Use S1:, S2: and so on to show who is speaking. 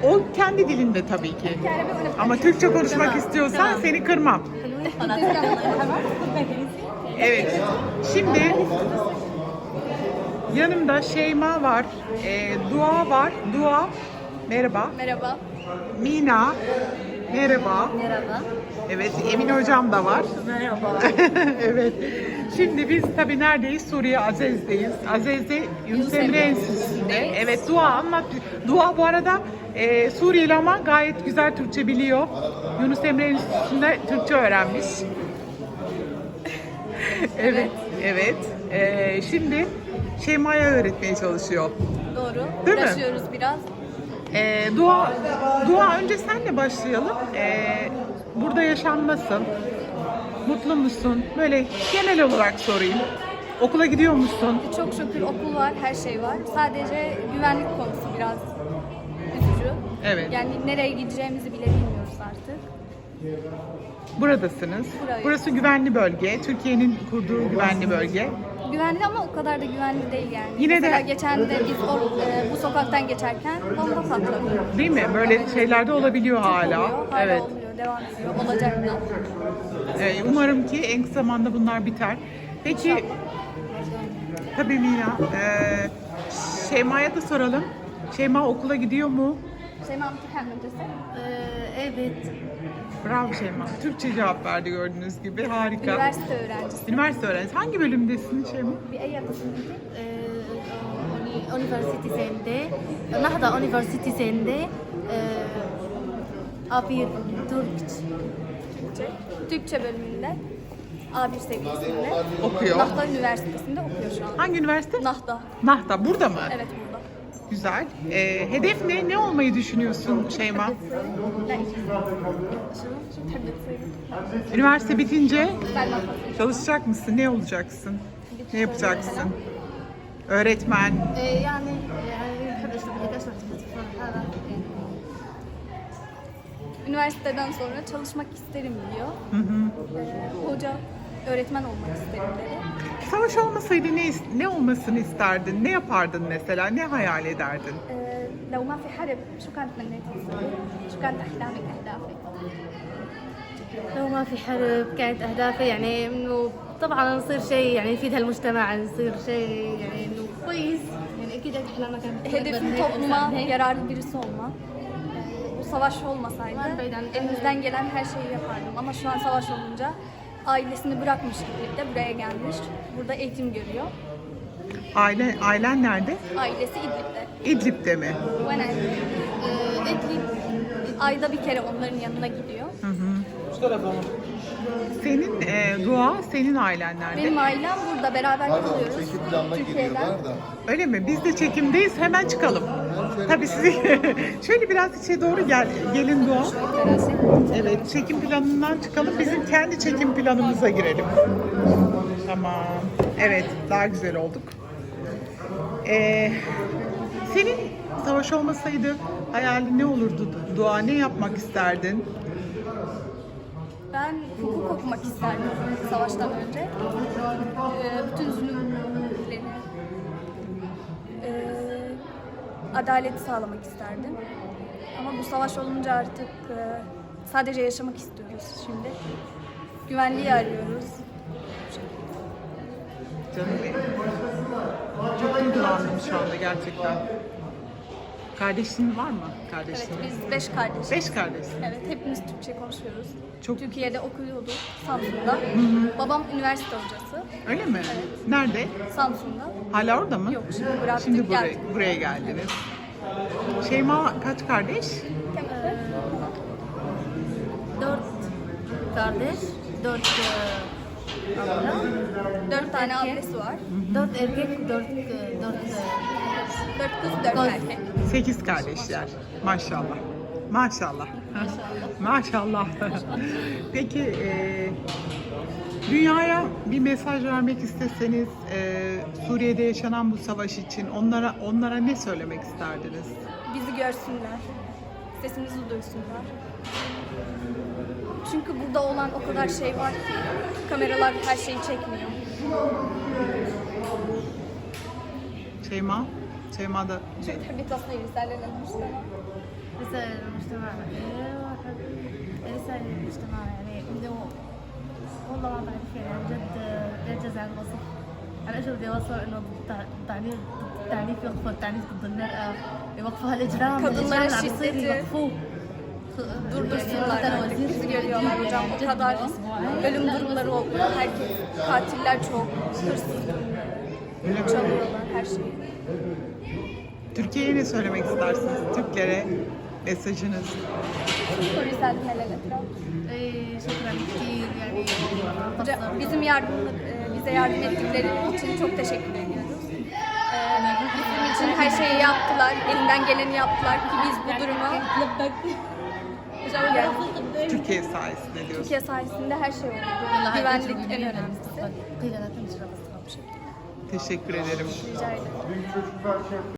S1: O kendi dilinde tabii ki. Ama Türkçe konuşmak istiyorsan seni kırmam. Evet. Şimdi yanımda Şeyma var, Dua var. Dua, merhaba.
S2: Merhaba.
S1: Mina, merhaba.
S2: Merhaba.
S1: Evet, Emin hocam da var.
S2: Merhaba.
S1: Evet. Şimdi biz tabii neredeyiz? Suriye Azez'deyiz. Azez'de Yunus Emre Enstitüsü'nde. Evet, Dua anlat. Dua bu arada Suriyeli ama gayet güzel Türkçe biliyor. Yunus Emre Enstitüsü'nde Türkçe öğrenmiş. Evet, evet. Şimdi Şeyma'ya öğretmeye çalışıyor.
S2: Doğru.
S1: Değil mi?
S2: Uğraşıyoruz biraz.
S1: Dua önce senle başlayalım. Burada yaşam nasıl? Mutlu musun? Böyle genel olarak sorayım. Okula gidiyor musun?
S2: Çok şükür okul var, her şey var. Sadece güvenlik konusu biraz üzücü.
S1: Evet.
S2: Yani nereye gideceğimizi bile bilmiyoruz artık.
S1: Buradasınız.
S2: Buradayız.
S1: Burası güvenli bölge. Türkiye'nin kurduğu güvenli bölge.
S2: Güvenli ama o kadar da güvenli değil yani.
S1: Yine
S2: Mesela
S1: de-
S2: geçen de biz bu sokaktan geçerken bomba patladı.
S1: Değil mi? Böyle şeyler de olabiliyor hala.
S2: Oluyor, hala
S1: Evet.
S2: oluyor, devam ediyor. Olacak da.
S1: Umarım ki en kısa zamanda bunlar biter. Peki, tabii Mina, Şeyma'ya da soralım. Şeyma okula gidiyor mu?
S2: Şeyma imtihan müdüresi.
S3: Evet.
S1: Bravo Şeyma. Türkçe cevap verdi gördüğünüz gibi. Harika.
S2: Üniversite öğrencisi.
S1: Üniversite öğrencisi. Hangi bölümdesin Şeyma?
S2: Bir eyatasındaki.
S3: Üniversitesinde, Nahda Üniversitesi'nde abi
S2: Türkçe bölümünde A1 seviyesinde.
S1: Okuyor.
S2: Nahda Üniversitesi'nde okuyor şu an.
S1: Hangi üniversite?
S2: Nahda.
S1: Nahda. Burada mı?
S2: Evet burada.
S1: Güzel. Hedef ne? Ne olmayı düşünüyorsun Şeyma?
S2: لا شو بتحبي تصيري؟
S1: Üniversite bitince
S2: بعد ما تخلصي.
S1: çalışacak mısın? Ne olacaksın? Ne yapacaksın? Öğretmen.
S3: يعني بحب اشتغل هيك اشتغل
S2: Üniversiteden sonra çalışmak isterim diyor. Hoca, öğretmen olmak isterim dedi.
S1: Savaş olmasaydı ne olmasını isterdin? Ne yapardın mesela? Ne hayal ederdin?
S2: لو ما في حرب شو كانت تمنيتي تصيري؟ شو كانت أحلامك أهدافك؟
S3: لو ما في حرب كانت اهدافي يعني انه طبعا نصير شيء يعني يفيد هالمجتمع نصير شيء يعني انه كويس يعني اكيد احلامنا كانت
S2: Hedefim topluma yararlı birisi olmak. Bu savaş olmasaydı elimizden gelen her şeyi yapardım. Ama şu an savaş olunca ailesini bırakmış gibi de buraya gelmiş. Burada eğitim görüyor.
S1: Ailen nerede?
S2: Ailesi İdlib'de.
S1: İdlib'de mi?
S2: İdlib ayda bir kere onların yanına gidiyor.
S1: Senin Dua, senin ailen nerede?
S2: Benim ailem burada beraber kalıyoruz. Türkiye'den.
S1: Öyle mi? Biz de çekimdeyiz. Hemen çıkalım. Tabii sizi şöyle biraz içe doğru gelin Dua. Evet, çekim planından çıkalım. Bizim kendi çekim planımıza girelim. Tamam. Evet, daha güzel olduk. Senin savaş olmasaydı hayalin ne olurdu Dua? Ne yapmak isterdin?
S2: Ben hukuk okumak isterdim savaştan önce. Bütün zulümleri, adaleti sağlamak isterdim. Ama bu savaş olunca artık sadece yaşamak istiyoruz şimdi. Güvenliği arıyoruz.
S1: Canım benim. Çok duygulandım şu anda gerçekten. Kardeşin var mı? Kardeşin?
S2: Evet, biz 5 kardeşiz.
S1: 5 kardeş.
S2: Evet, hepimiz Türkçe konuşuyoruz.
S1: Çok-
S2: Türkiye'de okuyordu, Samsun'da. Babam üniversite hocası,
S1: Öyle mi? Nerede?
S2: Samsun'da.
S1: Hala orada mı?
S2: Yok, şimdi bıraktık,
S1: Şimdi
S2: geldik.
S1: buraya geldiniz. Şeyma kaç kardeş?
S3: dört kardeş, dört abla,
S2: 4 tane ailesi var.
S3: dört erkek, dört
S2: 4 kız, 4 erkek.
S1: 8 kardeşler. Maşallah. Maşallah. Maşallah. Peki dünyaya bir mesaj vermek isteseniz Suriye'de yaşanan bu savaş için onlara ne söylemek isterdiniz?
S2: Bizi görsünler, sesimizi duysunlar. Çünkü burada olan o kadar şey var ki kameralar her şeyi çekmiyor.
S1: Şeyma da
S2: شو بتحبي تصنعي رسالة للمجتمع؟
S3: رسالة للمجتمع رسالة للمجتمع يعني إنه والله ما بعرف يعني عن جد يعجز عن الوصف. أنا إيش بدي أوصل إنه التعنيف يوقفوا التعنيف ضد المرأة، يوقفوا هالإجرام
S2: Kadınlara
S3: اللي عم يصير
S2: şiddeti
S3: يوقفوه.
S2: durdursunlar. Bizi görüyorlar hocam. O kadar ölüm durumları oluyor. Herkes, katiller çok, hırsız durumları, çalıyorlar her şeyi.
S1: Türkiye'ye ne söylemek istersiniz? Türklere mesajınız.
S2: Polisler helal etraf.
S3: شكرا كثير يعني
S2: Hocam, bize yardım ettikleri için çok teşekkür ediyoruz. Bizim için her şeyi yaptılar, elinden geleni yaptılar ki biz bu durumu yani,
S1: Türkiye sayesinde diyorsunuz.
S2: Türkiye sayesinde her şey oldu. Güvenlik en önemlisi.
S3: قيل لا تنشر بس
S1: Teşekkür ederim.
S2: Rica ederim.